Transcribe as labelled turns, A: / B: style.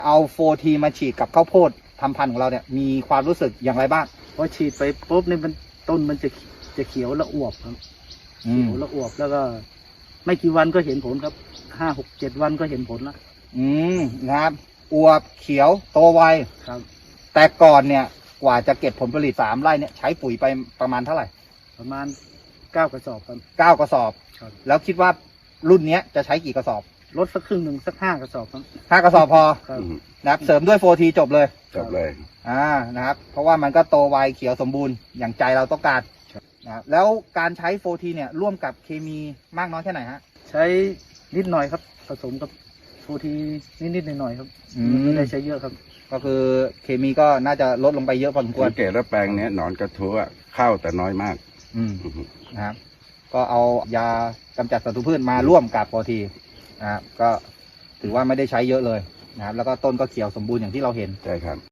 A: เอาโฟทีมาฉีดกับข้าวโพดทำพันธุ์ของเราเนี่ยมีความรู้สึกอย่างไรบ้าง
B: พอฉีดไปปุ๊บเนี่ยมันต้นมันจะเขียวและอวบครับเขียวและอวบแล้วก็ ไม่กี่วันก็เห็นผลครับ5-6-7 วันก็เห็นผลแล้ว
A: นะครับอวบเขียวโตไว
B: ครับ
A: แต่ก่อนเนี่ยกว่าจะเก็บผลผลิต3 ไร่เนี่ยใช้ปุ๋ยไปประมาณเท่าไหร่
B: ประมาณ9 กระสอบครับ
A: 9 กระสอบ
B: ครับ
A: แล้วคิดว่ารุ่นนี้จะใช้กี่กระสอบ
B: ลดสักครึ่งหนึ่งสัก5 กระสอบครับ
A: 5 กระสอบพอ
B: ครับ
A: นะครับเสริมด้วยโฟทีจบเลยนะครับเพราะว่ามันก็โตไวเขียวสมบูรณ์อย่างใจเราต้องการนะแล้วการใช้โฟทีเนี่ยร่วมกับเคมีมากน้อยแค่ไหนฮะ
B: ใช้นิดหน่อยครับผสมกับโฟทีนิดหน่อยครับไม่ได้ใช้เยอะครับ
A: ก็คือเคมีก็น่าจะลดลงไปเยอะพอสมควร
C: สังเกตแล้วแปลงนี้หนอนกระทู้เข้าแต่น้อยมาก
A: นะครับก็เอายากำจัดศัตรูพืชมาร่วมกับโฟทีนะครับก็ถือว่าไม่ได้ใช้เยอะเลยนะครับแล้วก็ต้นก็เขียวสมบูรณ์อย่างที่เราเห็น
C: ใช่ครับ